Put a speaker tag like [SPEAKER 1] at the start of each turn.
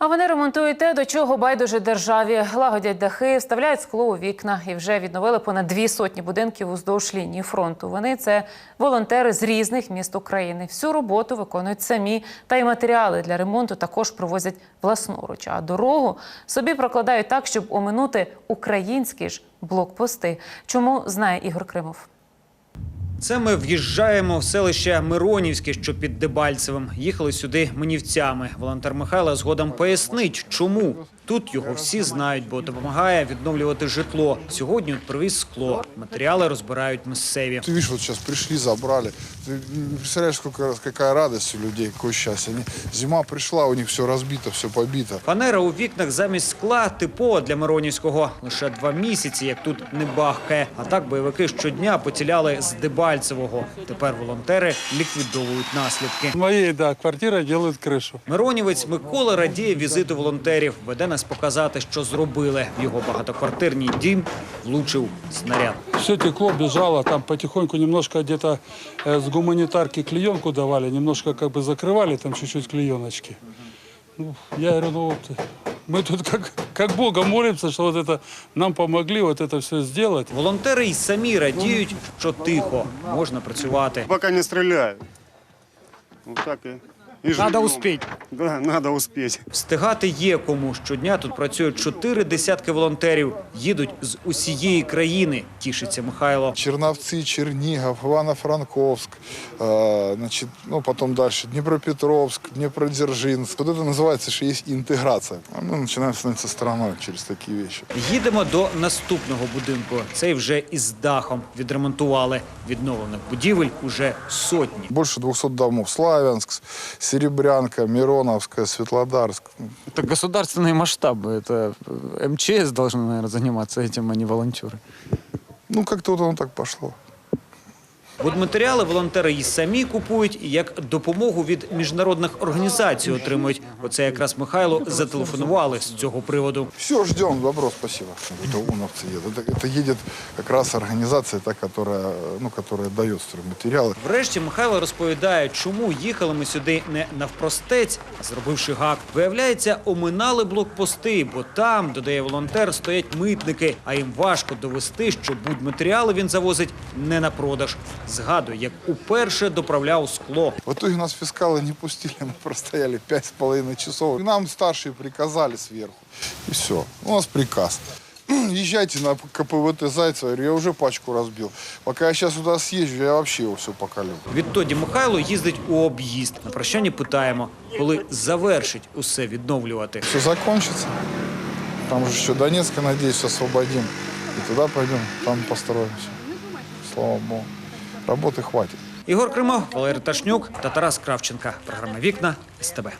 [SPEAKER 1] А вони ремонтують те, до чого байдуже державі. Лагодять дахи, вставляють скло у вікна і вже відновили понад 200 будинків уздовж лінії фронту. Вони – це волонтери з різних міст України. Всю роботу виконують самі, та й матеріали для ремонту також привозять власноруч. А дорогу собі прокладають так, щоб оминути українські ж блокпости. Чому, знає Ігор Кримов.
[SPEAKER 2] Це ми в'їжджаємо в селище Миронівське, що під Дебальцевим. Їхали сюди минівцями. Волонтер Михайло згодом пояснить, чому. Тут його всі знають, бо допомагає відновлювати житло. Сьогодні от привіз скло. Матеріали розбирають місцеві.
[SPEAKER 3] Ты видишь, вот сейчас пришли, забрали. Ты представляешь, какая радость у людей, какое счастье. Зима пришла, у них все разбито, все побито.
[SPEAKER 2] Фанера у вікнах замість скла типова для Миронівського. Лише 2 місяці, як тут не бахкає. А так бойовики щодня поціляли з Дебальцевого. Тепер волонтери ліквідовують наслідки.
[SPEAKER 4] В моей, квартире делают крышу.
[SPEAKER 2] Миронівець Микола радіє візиту волонтерів. Веде нас показати, що зробили. В його багатоквартирний дім влучив снаряд.
[SPEAKER 4] Все текло, бежало, там потихоньку немножко где-то с гуманитарки клеенку давали, немножко как бы закрывали, там чуть-чуть клееночки. Ну, я говорю, мы тут как Бога молимся, что вот это нам помогли вот это все сделать.
[SPEAKER 2] Волонтери й самі радіють, що тихо, можна працювати.
[SPEAKER 5] Пока не стреляют. Вот так и
[SPEAKER 2] Надо
[SPEAKER 5] живем.
[SPEAKER 2] успеть.
[SPEAKER 5] Да, надо успеть.
[SPEAKER 2] Встигати є кому. Щодня тут працюють 4 десятки волонтерів. Їдуть з усієї країни, тішиться Михайло.
[SPEAKER 3] Черновцы, Чернигов, Ивано-Франковск, значит, ну, потом дальше Днепропетровск, Днепродзержинск. Вот это называется, что есть интеграция. А мы начинаем становиться страной через такие вещи.
[SPEAKER 2] Їдемо до наступного будинку. Цей вже із дахом відремонтували. Відновлених будівель уже сотні.
[SPEAKER 3] Больше 200 домов. Славянск, Серебрянка, Мироновская, Светлодарск.
[SPEAKER 6] Это государственные масштабы. Это МЧС должны, наверное, заниматься этим, а не волонтеры.
[SPEAKER 3] Ну, как-то вот оно так пошло.
[SPEAKER 2] Будматеріали волонтери і самі купують, і як допомогу від міжнародних організацій отримують. Оце якраз Михайло зателефонували з цього приводу.
[SPEAKER 3] Все, ждем. Добро, спасибо. Это УНОВцы едут. Это едет как раз организация, та, которая дает стройматериалы.
[SPEAKER 2] Врешті Михайло розповідає, чому їхали ми сюди не навпростець, а зробивши гак. Виявляється, оминали блокпости, бо там, додає волонтер, стоять митники, а їм важко довести, що будматеріали він завозить не на продаж. Згадує, як уперше доправляв скло.
[SPEAKER 3] В итоге нас фискалы не пустили, мы простояли 5,5 часов. И нам старшие приказали сверху. И все. У нас приказ. Езжайте на КПВТ Зайцева. Я говорю, я уже пачку разбил. Пока я сейчас туда съезжу, я вообще его все покалю.
[SPEAKER 2] Відтоді Михайло їздить у об'їзд. На прощання питаємо, коли завершить усе відновлювати.
[SPEAKER 3] Все закончится. Там же еще Донецк, надеюсь, освободим. И туда пойдем, там построимся. Слава Богу. Работы хватит.
[SPEAKER 2] Ігор Кримов, Валерій Ташнюк та Тарас Кравченка. Програма «Вікна» СТБ.